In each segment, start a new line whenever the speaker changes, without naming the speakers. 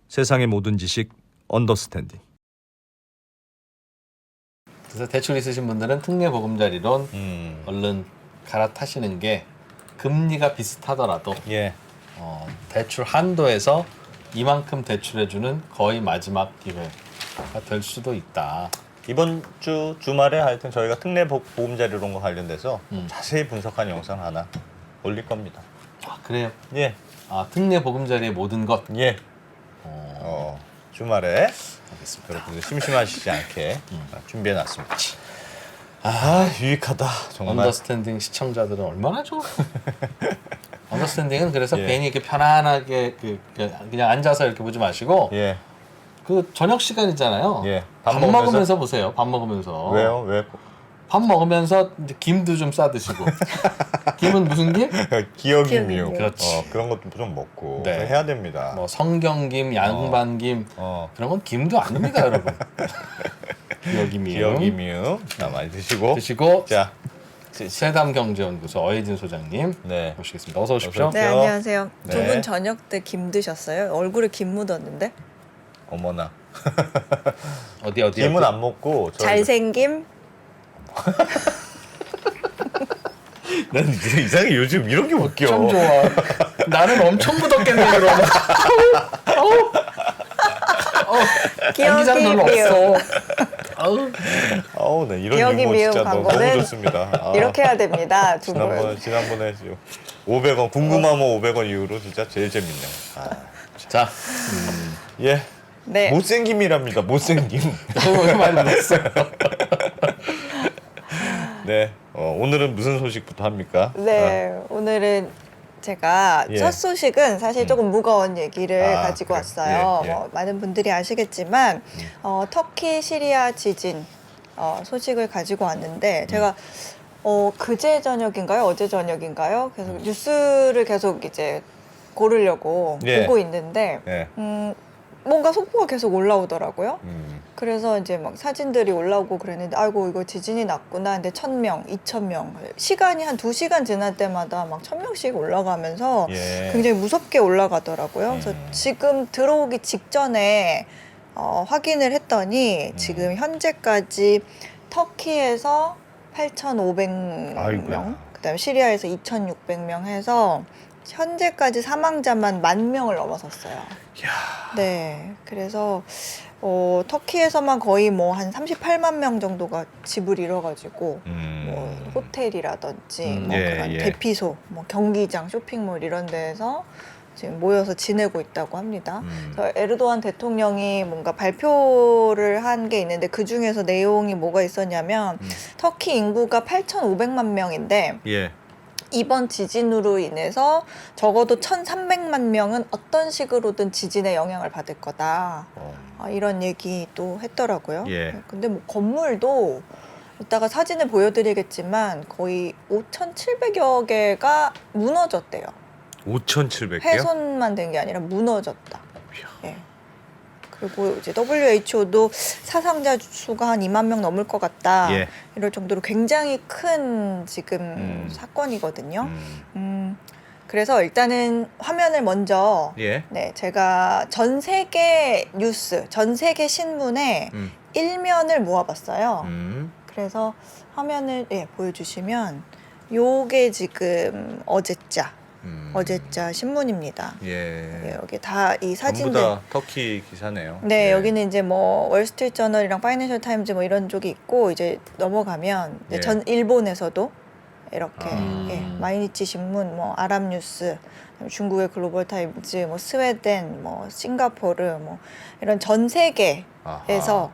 세상의 모든 지식 언더스탠딩.
그래서 대출 있으신 분들은 특례보금자리론 얼른 갈아타시는 게 금리가 비슷하더라도
예.
대출 한도에서 이만큼 대출해주는 거의 마지막 기회가 될 수도 있다.
이번 주 주말에 하여튼 저희가 특례보금자리론과 관련돼서 자세히 분석한 영상 하나 올릴 겁니다.
아, 그래요?
예.
특례보금자리의 모든 것.
예. 주말에
알겠습니다.
여러분들 심심하시지 않게 준비해놨습니다. 유익하다 정말.
언더스탠딩 시청자들은 얼마나 좋아. 언더스탠딩은 그래서
예.
괜히 이렇게 편안하게 그냥 앉아서 이렇게 보지 마시고
예.
그 저녁 시간이잖아요.
예.
밥 먹으면서 보세요. 밥 먹으면서.
왜요? 왜?
밥 먹으면서 이제 김도 좀 싸드시고. 김은 무슨 김?
기억이미요.
그렇지.
그런 것도 좀 먹고
네.
해야 됩니다.
뭐 성경김, 양반김 그런 건 김도 아닙니다, 여러분.
기억이미요. 많이 드시고. 자,
세담경제연구소 어혜진 소장님
네.
모시겠습니다. 어서 오십시오.
어서
네,
오세요.
안녕하세요.
네.
두 분 저녁 때 김 드셨어요? 얼굴에 김 묻었는데?
어머나.
어디
김은 안 먹고
잘생김?
난 이상하게 요즘 이런 게 웃겨.
참 좋아. 나는 엄청 묻었겠네 그러면.
기억이
별로
미움.
없어.
네, 이런
기억이
유머
미움
진짜 너무
광고는
좋습니다.
이렇게 해야 됩니다, 두 분.
지난번에 500원 궁금하면 500원 이후로 진짜 제일 재밌네요.
자,
예.
네.
못생김이랍니다. 못생김.
너무 많이 묻었어요.
네. 오늘은 무슨 소식부터 합니까?
네, 오늘은 제가
예.
첫 소식은 사실 조금 무거운 얘기를 가지고
그래요?
왔어요.
예, 예.
많은 분들이 아시겠지만 터키 시리아 지진 소식을 가지고 왔는데 제가 그제 저녁인가요? 어제 저녁인가요? 계속 뉴스를 계속 이제 고르려고
예.
보고 있는데
예.
뭔가 속보가 계속 올라오더라고요.
음.
그래서 이제 막 사진들이 올라오고 그랬는데 아이고 이거 지진이 났구나. 근데 1,000명, 2,000명 시간이 한 2시간 지날 때마다 막 1,000명씩 올라가면서
예.
굉장히 무섭게 올라가더라고요. 그래서 지금 들어오기 직전에 확인을 했더니 지금 현재까지 터키에서 8,500명,
아이고야.
그다음에 시리아에서 2,600명 해서 현재까지 사망자만 10,000명을 넘어섰어요. 네, 그래서 터키에서만 거의 뭐 한 38만 명 정도가 집을 잃어가지고 뭐 호텔이라든지 뭐
예,
그런
예.
대피소, 뭐 경기장, 쇼핑몰 이런 데에서 지금 모여서 지내고 있다고 합니다. 그래서 에르도안 대통령이 뭔가 발표를 한 게 있는데 그 중에서 내용이 뭐가 있었냐면 터키 인구가 8,500만 명인데
예.
이번 지진으로 인해서 적어도 1,300만 명은 어떤 식으로든 지진의 영향을 받을 거다. 이런 얘기 또 했더라고요.
예.
근데 뭐 건물도 이따가 사진을 보여드리겠지만 거의 5,700여 개가 무너졌대요.
5,700개요?
훼손만 된 게 아니라 무너졌다. 예. 그리고 이제 WHO도 사상자 수가 한 2만 명 넘을 것 같다.
예.
이럴 정도로 굉장히 큰 지금 사건이거든요. 그래서 일단은 화면을 먼저
예.
네, 제가 전 세계 뉴스, 전 세계 신문의 일면을 모아봤어요. 그래서 화면을 보여주시면 요게 지금 어제자 신문입니다.
예.
여기 다 이 사진들.
전부 다 터키 기사네요.
네,
예.
여기는 이제 뭐 월스트리트 저널이랑 파이낸셜 타임즈 뭐 이런 쪽이 있고 이제 넘어가면 이제
예.
전 일본에서도 이렇게
아.
마이니치 신문, 뭐 아랍뉴스, 중국의 글로벌 타임즈, 뭐 스웨덴, 뭐 싱가포르, 뭐 이런 전 세계에서
아하.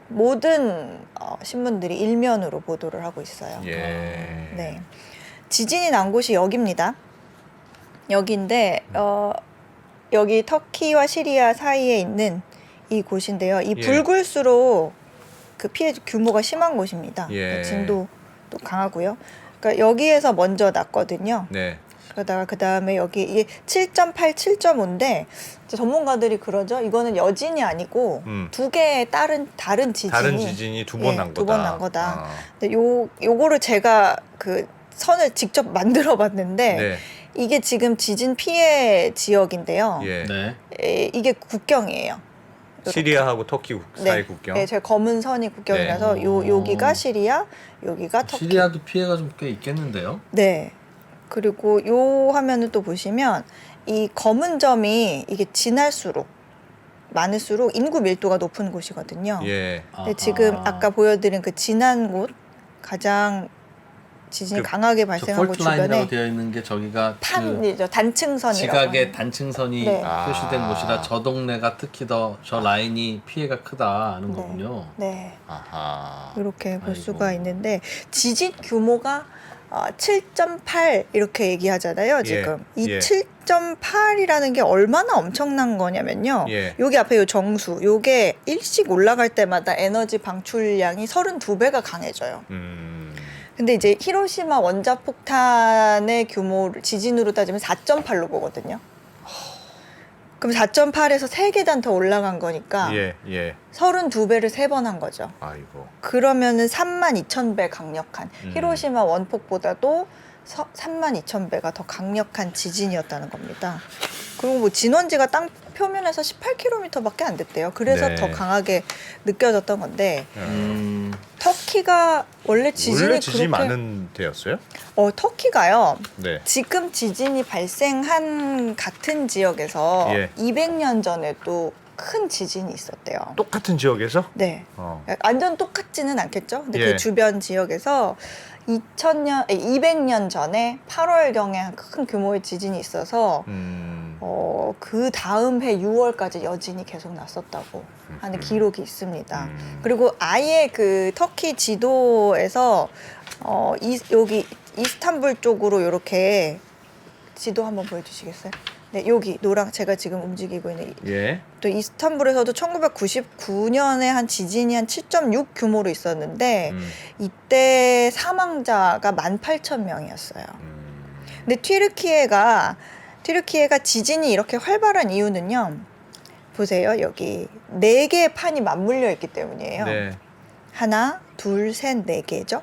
모든 신문들이 일면으로 보도를 하고 있어요.
예.
네, 지진이 난 곳이 여기입니다. 여기인데 여기 터키와 시리아 사이에 있는 이 곳인데요. 이
예.
붉을수록 그 피해 규모가 심한 곳입니다.
예.
진도도 강하고요. 그러니까 여기에서 먼저 났거든요.
네.
그러다가 그 다음에 여기 이게 7.8, 7.5인데 전문가들이 그러죠. 이거는 여진이 아니고 두 개의 다른 지진이
다른 지진이 두 번 난 거다.
두 번 난 거다. 근데 요거를 제가 그 선을 직접 만들어 봤는데
네.
이게 지금 지진 피해 지역인데요.
예.
네.
이게 국경이에요. 요렇게.
시리아하고 터키 사이 국경.
네, 제 검은 선이 국경이라서
네.
여기가 시리아, 여기가 터키.
시리아도 피해가 좀 꽤 있겠는데요.
네. 그리고 요 화면을 또 보시면 이 검은 점이 이게 지날수록 많을수록 인구 밀도가 높은 곳이거든요.
예.
근데 지금 아까 보여드린 그 진한 곳 가장 지진이
그
강하게
저
발생한 곳
폴트 라인이라고
주변에
되어 있는 게 저기가 그
판이죠. 단층선이라고.
지각의
하는.
단층선이
네.
표시된
아.
곳이라 저 동네가 특히 더 저 라인이 피해가 크다 하는
네.
거군요.
네.
아하.
이렇게 볼
아이고.
수가 있는데 지진 규모가 7.8 이렇게 얘기하잖아요. 지금 이
예.
7.8이라는 게 얼마나 엄청난 거냐면요.
예.
여기 앞에 요 정수, 요게 일씩 올라갈 때마다 에너지 방출량이 32배가 강해져요. 근데 이제 히로시마 원자폭탄의 규모를 지진으로 따지면 4.8로 보거든요. 그럼 4.8에서 3계단 더 올라간 거니까
예. 예.
32배를 3번 한 거죠.
아이고.
그러면은 32,000배 강력한 히로시마 원폭보다도 32,000배가 더 강력한 지진이었다는 겁니다. 그리고 뭐 진원지가 땅 표면에서 18km밖에 안 됐대요. 그래서
네.
더 강하게 느껴졌던 건데
음,
터키가 원래 지진이
원래 지진이
그렇게
많은 데였어요?
터키가요.
네.
지금 지진이 발생한 같은 지역에서
예.
200년 전에도 큰 지진이 있었대요.
똑같은 지역에서?
네.
어.
완전 똑같지는 않겠죠. 근데
예.
그 주변 지역에서 200년 전에 8월경에 큰 규모의 지진이 있어서 그 다음 해 6월까지 여진이 계속 났었다고 하는 기록이 있습니다. 그리고 아예 그 터키 지도에서 여기 이스탄불 쪽으로 이렇게 지도 한번 보여주시겠어요? 네, 여기 노랑 제가 지금 움직이고 있는
예.
또 이스탄불에서도 1999년에 한 지진이 한 7.6 규모로 있었는데 이때 사망자가 18,000명이었어요. 근데 튀르키예가 지진이 이렇게 활발한 이유는요. 보세요. 여기 4개의 판이 맞물려 있기 때문이에요.
네.
하나, 둘, 셋, 4개죠.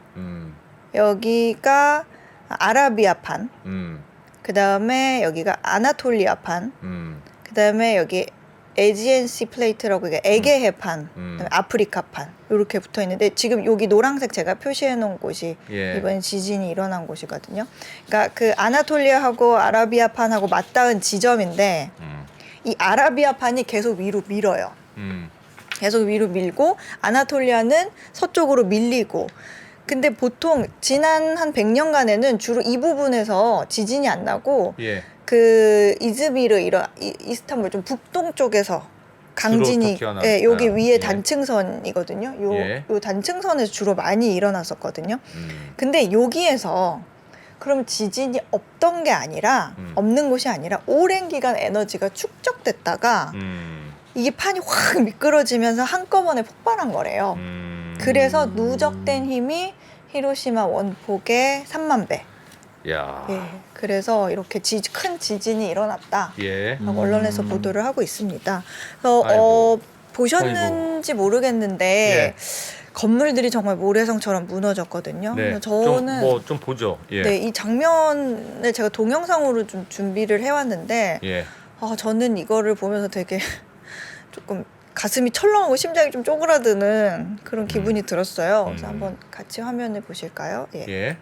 여기가 아라비아판, 그 다음에 여기가 아나톨리아판, 그 다음에 여기 에지엔시 플레이트라고 이게 에게해판, 그다음에 아프리카판 이렇게 붙어 있는데 지금 여기 노란색 제가 표시해 놓은 곳이
예.
이번 지진이 일어난 곳이거든요. 그러니까 그 아나톨리아하고 아라비아판하고 맞닿은 지점인데 이 아라비아판이 계속 위로 밀어요. 계속 위로 밀고 아나톨리아는 서쪽으로 밀리고. 근데 보통 지난 한 100년간에는 주로 이 부분에서 지진이 안 나고
예.
그 이즈미르 이스탄불 좀 북동 쪽에서 강진이
터키가 나-
예, 여기 위에
예.
단층선이거든요.
예.
요 단층선에서 주로 많이 일어났었거든요. 근데 여기에서 그럼 지진이 없던 게 아니라 없는 곳이 아니라 오랜 기간 에너지가 축적됐다가 이게 판이 확 미끄러지면서 한꺼번에 폭발한 거래요. 그래서 누적된 힘이 히로시마 원폭의 3만 배.
야.
예, 그래서 이렇게 큰 지진이 일어났다.
예.
언론에서 보도를 하고 있습니다. 그래서
아이고.
보셨는지 모르겠는데
예.
건물들이 정말 모래성처럼 무너졌거든요.
네.
그래서 저는
좀 보죠. 예.
네, 이 장면을 제가 동영상으로 좀 준비를 해왔는데
예.
저는 이거를 보면서 되게 조금 가슴이 철렁하고 심장이 좀 쪼그라드는 그런 기분이 들었어요. 그래서 한번 같이 화면을 보실까요? 예.
예.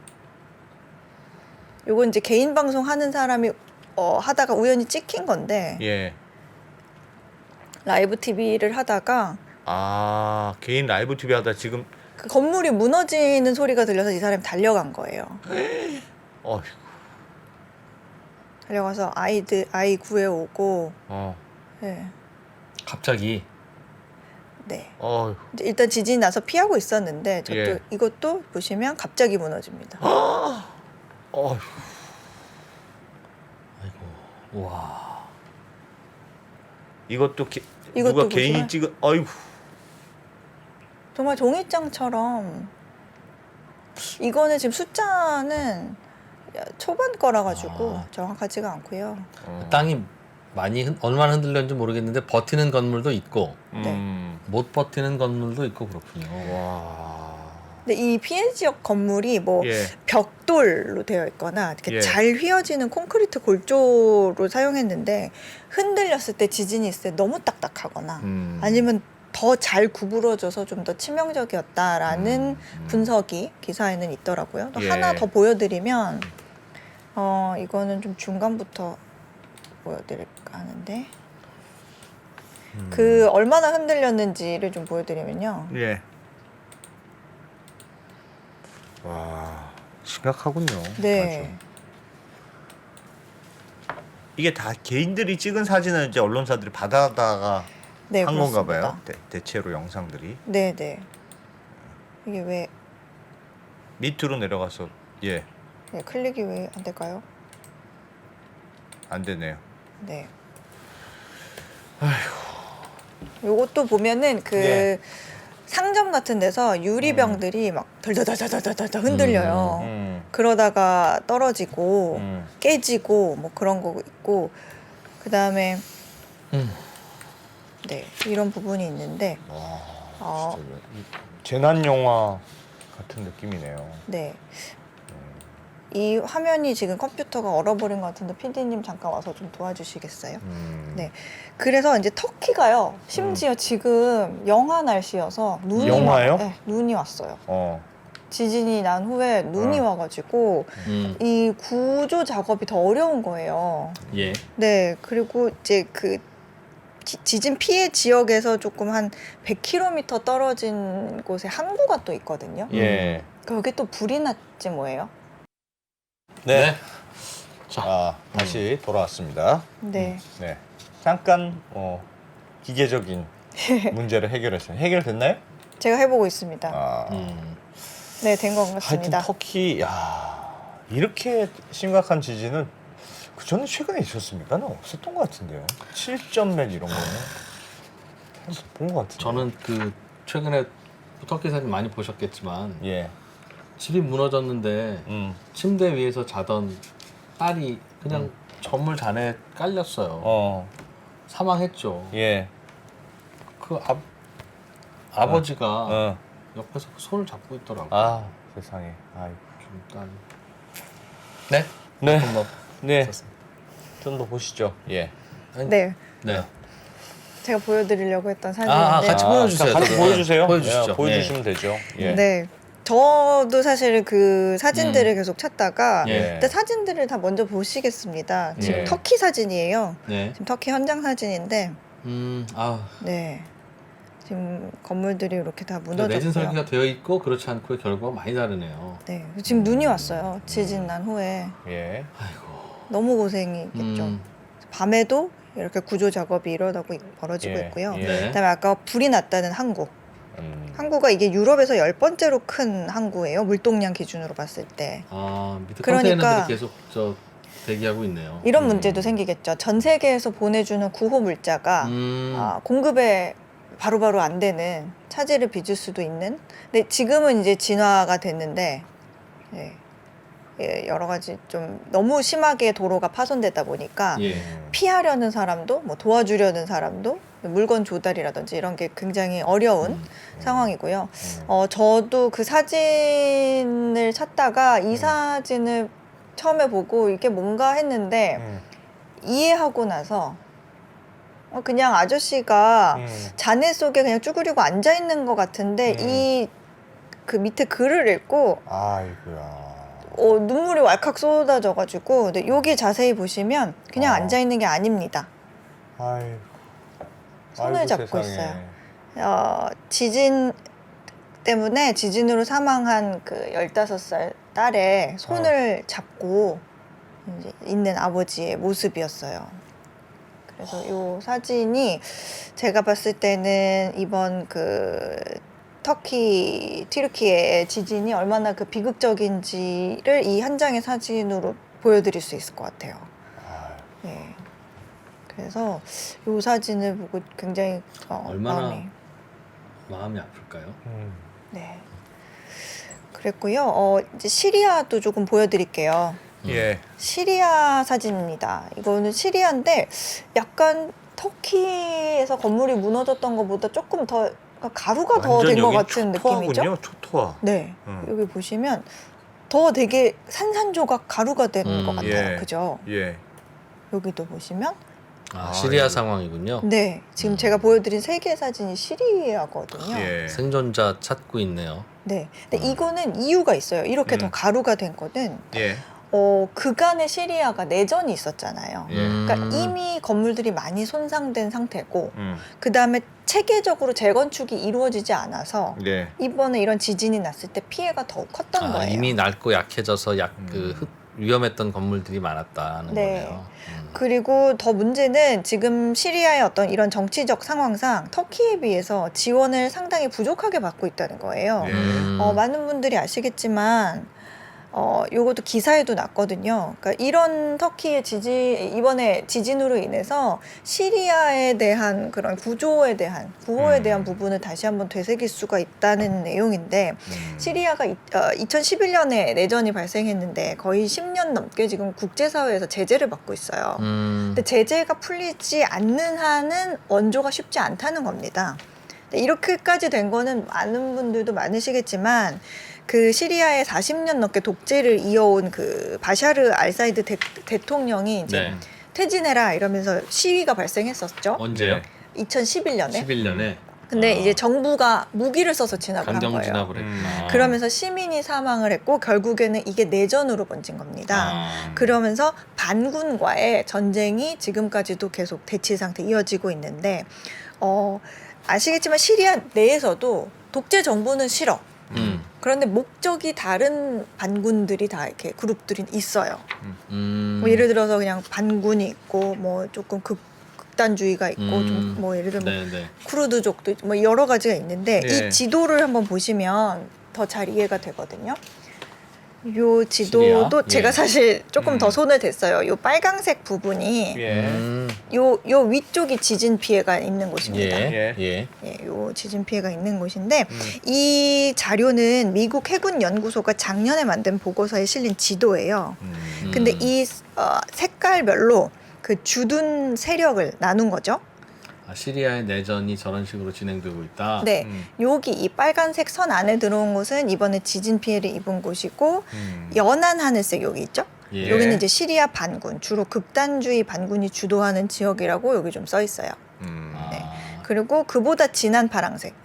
요건 이제 개인 방송 하는 사람이 하다가 우연히 찍힌 건데
예.
라이브 TV를 하다가
개인 라이브 TV 하다 지금
그 건물이 무너지는 소리가 들려서 이 사람이 달려간 거예요.
어휴.
달려가서 아이 구해오고 네.
갑자기
네.
어휴.
이제 일단 지진이 나서 피하고 있었는데
예.
이것도 보시면 갑자기 무너집니다.
어휴.
아이고 와
이것도
이것도
누가 개인이
보시면-
찍은 어이구.
정말 종이장처럼 이거는 지금 숫자는 초반 거라 가지고 정확하지가 않고요.
땅이 얼마나 흔들렸는지 모르겠는데 버티는 건물도 있고
네.
못 버티는 건물도 있고 그렇군요.
와.
근데 이 피해 지역 건물이 뭐
예.
벽돌로 되어 있거나 이렇게
예.
잘 휘어지는 콘크리트 골조로 사용했는데 흔들렸을 때 지진이 있을 때 너무 딱딱하거나 아니면 더 잘 구부러져서 좀 더 치명적이었다라는 분석이 기사에는 있더라고요. 또
예.
하나 더 보여드리면 이거는 좀 중간부터 보여드릴까 하는데 그 얼마나 흔들렸는지를 좀 보여드리면요.
예. 와, 심각하군요.
네.
아주. 이게 다 개인들이 찍은 사진을 이제 언론사들이 받아다가
네,
한 건가
그렇습니다.
봐요. 대체로 영상들이
네. 이게 왜
밑으로 내려가서 예,
네, 클릭이 왜 안 될까요?
안 되네요.
네. 요것도 보면은 그
예.
상점 같은 데서 유리병들이 막 덜덜덜덜덜덜 흔들려요. 그러다가 떨어지고 깨지고 뭐 그런 거 있고 그다음에 네, 이런 부분이 있는데
와, 진짜 재난 영화 같은 느낌이네요.
네. 이 화면이 지금 컴퓨터가 얼어버린 것 같은데 PD님 잠깐 와서 좀 도와주시겠어요? 네. 그래서 이제 터키가요. 심지어 지금 영하 날씨여서 눈이
영하요?
네, 눈이 왔어요.
어.
지진이 난 후에 눈이 와가지고 이 구조 작업이 더 어려운 거예요.
예.
네. 그리고 이제 그 지진 피해 지역에서 조금 한 100km 떨어진 곳에 항구가 또 있거든요.
예.
거기 또 불이 났지 뭐예요?
네.
자,
다시 돌아왔습니다.
네.
네. 잠깐 기계적인 문제를 해결했어요. 해결됐나요?
제가 해보고 있습니다.
아.
네, 된 것
하여튼
같습니다.
터키 이렇게 심각한 지진은 그 전에 최근에 있었습니까? 는 없었던 것 같은데요. 7점 몇 이런 거는 본 것 같은데.
저는 그 최근에 터키 사진 많이 보셨겠지만
예.
집이 무너졌는데 침대 위에서 자던 딸이 그냥 전물 잔에 깔렸어요. 사망했죠.
예.
그 아버지가
어.
옆에서 그 손을 잡고 있더라고요.
아 세상에. 아이고.
좀 딸. 네?
네.
뭐
네. 좀 더 보시죠. 예.
네.
네.
제가 보여드리려고 했던 사진인데.
같이 보여주세요.
같이
저도.
보여주세요.
보여주시죠.
예, 보여주시면 되죠. 예.
네. 저도 사실 그 사진들을 계속 찾다가
예.
근데 사진들을 다 먼저 보시겠습니다. 지금
예.
터키 사진이에요.
네.
지금 터키 현장 사진인데
아.
네. 지금 건물들이 이렇게 다
내진
무너졌고요.
설계가 되어 있고 그렇지 않고의 결과가 많이 다르네요.
네. 지금 눈이 왔어요. 지진 난 후에.
예.
아이고.
너무 고생이겠죠. 밤에도 이렇게 구조 작업이 벌어지고
예.
있고요.
예.
네.
그다음에 아까 불이 났다는 항구. 항구가 이게 유럽에서 10번째로 큰 항구예요. 물동량 기준으로 봤을 때.
아, 밑에
그러니까
컨테이너들이 계속 대기하고 있네요.
이런 문제도 생기겠죠. 전 세계에서 보내주는 구호 물자가 공급에 바로바로 안 되는 차질을 빚을 수도 있는. 근데 지금은 이제 진화가 됐는데 여러 가지 좀 너무 심하게 도로가 파손되다 보니까
예.
피하려는 사람도 뭐 도와주려는 사람도 물건 조달이라든지 이런 게 굉장히 어려운 상황이고요. 저도 그 사진을 찾다가 이 사진을 처음에 보고 이게 뭔가 했는데 이해하고 나서 그냥 아저씨가 잔해 속에 그냥 쭈그리고 앉아 있는 것 같은데 이 그 밑에 글을 읽고
아이고야.
눈물이 왈칵 쏟아져가지고 근데 여기 자세히 보시면 그냥 앉아 있는 게 아닙니다.
아이고.
손을
아이고,
잡고
세상에.
있어요. 지진 때문에 지진으로 사망한 그 15살 딸의 손을 잡고 이제 있는 아버지의 모습이었어요. 그래서 이 사진이 제가 봤을 때는 이번 그 튀르키예의 지진이 얼마나 그 비극적인지를 이 한 장의 사진으로 보여드릴 수 있을 것 같아요. 네. 그래서 이 사진을 보고 굉장히
얼마나 마음이 아플까요?
네. 그랬고요. 이제 시리아도 조금 보여드릴게요.
예.
시리아 사진입니다. 이거는 시리아인데 약간 터키에서 건물이 무너졌던 것보다 조금 더 그러니까 가루가 더 된 것 같은 느낌이죠.
초토화군요. 초토화.
네,
음.
여기 보시면 더 되게 산산조각 가루가 된 것 같아요.
예.
그죠?
예.
여기도 보시면
시리아
예.
상황이군요.
네, 지금 제가 보여드린 세 개의 사진이 시리아거든요.
예.
생존자 찾고 있네요.
네, 근데 이거는 이유가 있어요. 이렇게 더 가루가 된 거는
예.
그간의 시리아가 내전이 있었잖아요.
예.
그러니까 이미 건물들이 많이 손상된 상태고
음.
그 다음에 체계적으로 재건축이 이루어지지 않아서
예.
이번에 이런 지진이 났을 때 피해가 더욱 컸던 거예요.
이미 낡고 약해져서 위험했던 건물들이 많았다는
네.
거네요.
그리고 더 문제는 지금 시리아의 어떤 이런 정치적 상황상 터키에 비해서 지원을 상당히 부족하게 받고 있다는 거예요.
예.
많은 분들이 아시겠지만 요것도 기사에도 났거든요. 그러니까 이런 터키의 이번에 지진으로 인해서 시리아에 대한 그런 구조에 대한 구호에 대한 부분을 다시 한번 되새길 수가 있다는 내용인데 시리아가 2011년에 내전이 발생했는데 거의 10년 넘게 지금 국제사회에서 제재를 받고 있어요. 근데 제재가 풀리지 않는 한은 원조가 쉽지 않다는 겁니다. 근데 이렇게까지 된 거는 많은 분들도 많으시겠지만 그 시리아에 40년 넘게 독재를 이어온 그 바샤르 알사이드 대통령이 이제
네.
퇴진해라 이러면서 시위가 발생했었죠.
언제요?
2011년에.
11년에.
근데 이제 정부가 무기를 써서 진압을 한
강경
거예요.
진압을 했구나.
그러면서 시민이 사망을 했고 결국에는 이게 내전으로 번진 겁니다. 그러면서 반군과의 전쟁이 지금까지도 계속 대치 상태 이어지고 있는데 아시겠지만 시리아 내에서도 독재 정부는 싫어. 그런데 목적이 다른 반군들이 다 이렇게 그룹들이 있어요. 뭐 예를 들어서 그냥 반군이 있고 뭐 조금 극단주의가 있고 좀 뭐 예를 들면
네네.
쿠르드족도 있고 뭐 여러 가지가 있는데
예.
이 지도를 한번 보시면 더 잘 이해가 되거든요. 요 지도도
시리아?
제가
예.
사실 조금 더 손을 댔어요. 요 빨강색 부분이
예.
요 위쪽이 지진 피해가 있는 곳입니다.
예.
예.
예.
요 지진 피해가 있는 곳인데 이 자료는 미국 해군 연구소가 작년에 만든 보고서에 실린 지도예요. 근데 이 색깔별로 그 주둔 세력을 나눈 거죠.
시리아의 내전이 저런 식으로 진행되고 있다.
네, 여기 이 빨간색 선 안에 들어온 곳은 이번에 지진 피해를 입은 곳이고 연한 하늘색 여기 있죠.
예.
여기는 이제 시리아 반군, 주로 극단주의 반군이 주도하는 지역이라고 여기 좀 써 있어요. 네. 그리고 그보다 진한 파랑색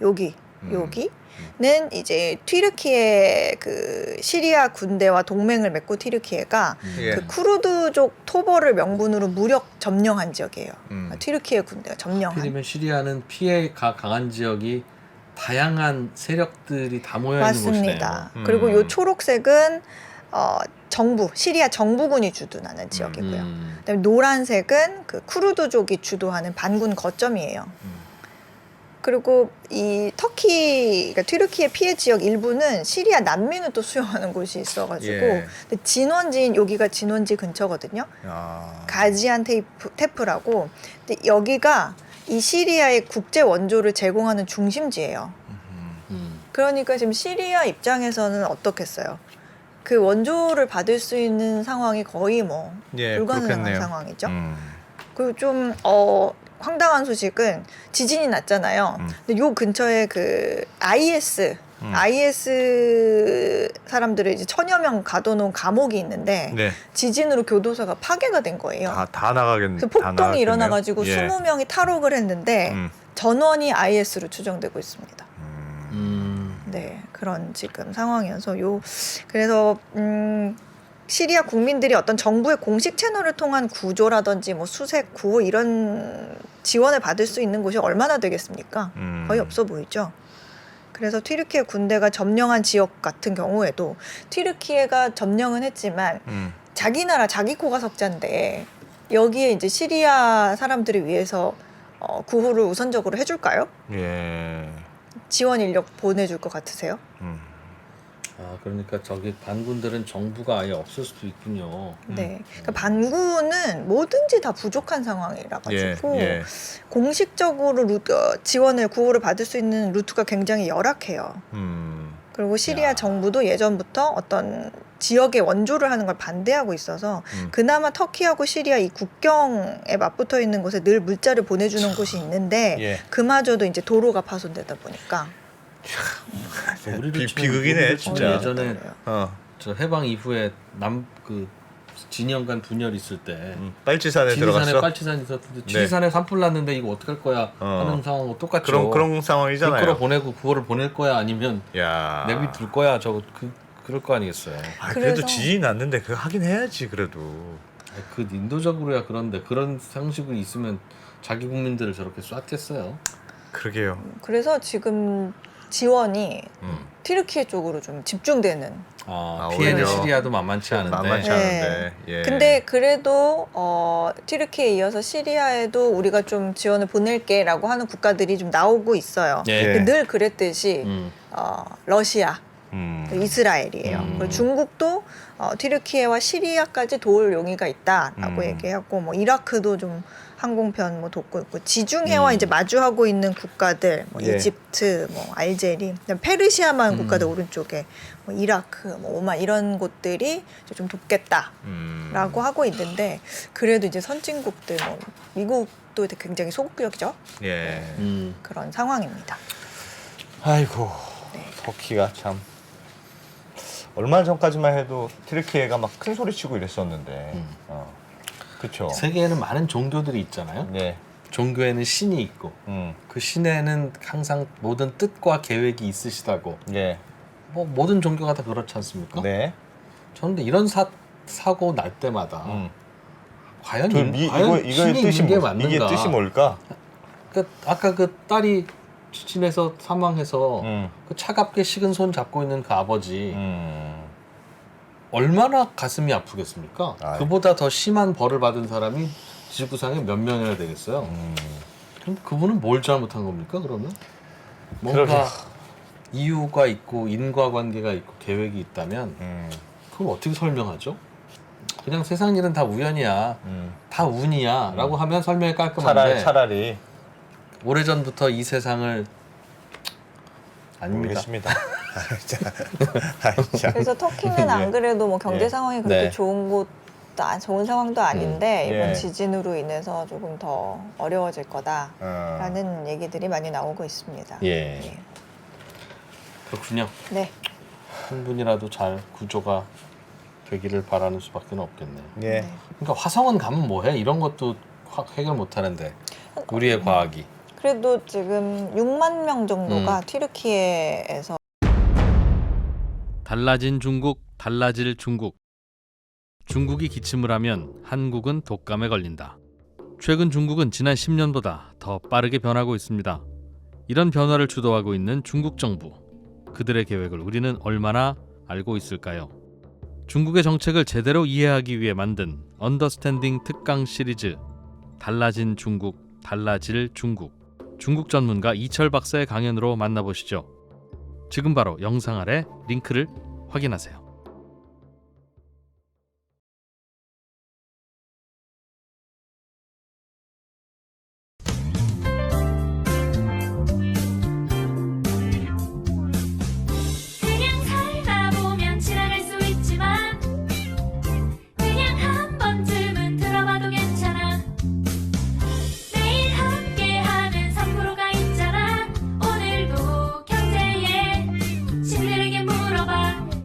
여기는 이제 튀르키예 그 시리아 군대와 동맹을 맺고 튀르키예가
예.
그 쿠르드족 토벌을 명분으로 무력 점령한 지역이에요. 튀르키예 군대가 점령한.
하필이면 시리아는 피해가 강한 지역이 다양한 세력들이 다 모여 있는 곳이네요.
맞습니다. 그리고 요 초록색은 시리아 정부군이 주둔하는 지역이고요. 그다음에 노란색은 그 쿠르드족이 주도하는 반군 거점이에요. 그리고 이 그러니까 튀르키예 피해 지역 일부는 시리아 난민을 또 수용하는 곳이 있어가지고
예.
근데 진원지인 여기가 진원지 근처거든요. 가지안테프라고. 근데 여기가 이 시리아의 국제 원조를 제공하는 중심지예요. 그러니까 지금 시리아 입장에서는 어떻겠어요? 그 원조를 받을 수 있는 상황이 거의 뭐
예,
불가능한
그렇겠네요.
상황이죠. 그리고 좀 황당한 소식은 지진이 났잖아요. 근데 요 근처에 그 IS 사람들을 이제 1000여 명 가둬놓은 감옥이 있는데
네.
지진으로 교도소가 파괴가 된 거예요.
다 나가겠네.
그래서 폭동이 일어나가지고 20명이 탈옥을 했는데 전원이 IS로 추정되고 있습니다. 네, 그런 지금 상황이어서 그래서 시리아 국민들이 어떤 정부의 공식 채널을 통한 구조라든지 뭐 수색, 구호 이런 지원을 받을 수 있는 곳이 얼마나 되겠습니까? 거의 없어 보이죠. 그래서 튀르키예 군대가 점령한 지역 같은 경우에도 튀르키예가 점령은 했지만 자기 나라 자기 코가 석자인데 여기에 이제 시리아 사람들을 위해서 구호를 우선적으로 해줄까요?
예.
지원 인력 보내줄 것 같으세요?
그러니까 저기 반군들은 정부가 아예 없을 수도 있군요.
네, 그러니까 반군은 뭐든지 다 부족한 상황이라 가지고
예.
공식적으로 지원을 구호를 받을 수 있는 루트가 굉장히 열악해요. 그리고 시리아
야.
정부도 예전부터 어떤 지역에 원조를 하는 걸 반대하고 있어서 그나마 터키하고 시리아 이 국경에 맞붙어 있는 곳에 늘 물자를 보내주는 곳이 있는데
예.
그마저도 이제 도로가 파손되다 보니까
우리도 지금
비극이네,
우리도
진짜.
예전에
어.
저 해방 이후에 그 진영 간 분열 있을 때
빨치산에
지리산에
들어갔어.
빨치산 있었는데 지리산에 산불 났는데 이거 어떡할 거야 하는 상황하고 똑같죠.
그런 상황이잖아요.
끌어 보내고 구호를 보낼 거야 아니면
야.
내비둘 거야 그럴 거 아니겠어요.
그래도
그래서-
지진이 났는데 그거 하긴 해야지 그래도.
그 인도적으로야 그런데 그런 상식이 있으면 자기 국민들을 저렇게 쐈겠어요.
그러게요.
그래서 지금 지원이 튀르키예 쪽으로 좀 집중되는.
피해는
오히려
시리아도 만만치 않은데.
만만치
네.
않은데. 예.
근데 그래도 튀르키예에 이어서 시리아에도 우리가 좀 지원을 보낼게라고 하는 국가들이 좀 나오고 있어요.
예.
예.
근데 늘 그랬듯이 러시아, 이스라엘이에요. 그리고 중국도 튀르키예와 시리아까지 도울 용의가 있다라고 얘기하고 뭐 이라크도 좀 항공편 뭐 돕고 있고 지중해와 이제 마주하고 있는 국가들 뭐
예.
이집트, 뭐 알제리, 그다음에 페르시아만 국가들 오른쪽에 뭐 이라크, 뭐 오만 이런 곳들이 이제 좀 돕겠다라고 하고 있는데 그래도 이제 선진국들 뭐 미국도 굉장히 소극적이죠.
예.
그런 상황입니다.
아이고
네.
터키가 참 얼마 전까지만 해도 튀르키예가 막 큰 소리 치고 이랬었는데 그렇죠.
세계에는 많은 종교들이 있잖아요.
네.
종교에는 신이 있고 그 신에는 항상 모든 뜻과 계획이 있으시다고.
네.
뭐 모든 종교가 다 그렇지 않습니까?
네.
저는 근데 이런 사고 날 때마다 과연
이거의
신이
뜻이
있는 게
뭐, 이게
맞는가?
뜻이 뭘까?
아까 그 딸이 지진해서 사망해서 그 차갑게 식은 손 잡고 있는 그 아버지 얼마나 가슴이 아프겠습니까?
아이.
그보다 더 심한 벌을 받은 사람이 지구상에 몇 명이나 되겠어요? 그럼 그분은 뭘 잘못한 겁니까? 그러면 뭔가
그러게요.
이유가 있고 인과관계가 있고 계획이 있다면 그걸 어떻게 설명하죠? 그냥 세상 일은 다 우연이야, 다 운이야 라고 하면 설명이 깔끔한데
차라리
오래전부터 이 세상을 아닙니다.
모르겠습니다. 자.
그래서 터키는 안
예.
그래도 뭐 경제
예.
상황이 그렇게
네.
좋은 상황도 아닌데
예.
이번 지진으로 인해서 조금 더 어려워질
아.
거다라는 얘기들이 많이 나오고 있습니다.
예. 그렇군요.
네.
한 분이라도 잘 구조가 되기를 바라는 수밖에 없겠네요.
예.
네.
그러니까 화성은 가면 뭐해? 이런 것도 해결 못하는데 우리의 과학이.
그래도 지금 6만 명 정도가 튀르키예에서
달라진 중국, 달라질 중국. 중국이 기침을 하면 한국은 독감에 걸린다. 최근 중국은 지난 10년보다 더 빠르게 변하고 있습니다. 이런 변화를 주도하고 있는 중국 정부. 그들의 계획을 우리는 얼마나 알고 있을까요? 중국의 정책을 제대로 이해하기 위해 만든 언더스탠딩 특강 시리즈 달라진 중국, 달라질 중국. 중국 전문가 이철 박사의 강연으로 만나보시죠. 지금 바로 영상 아래 링크를 확인하세요.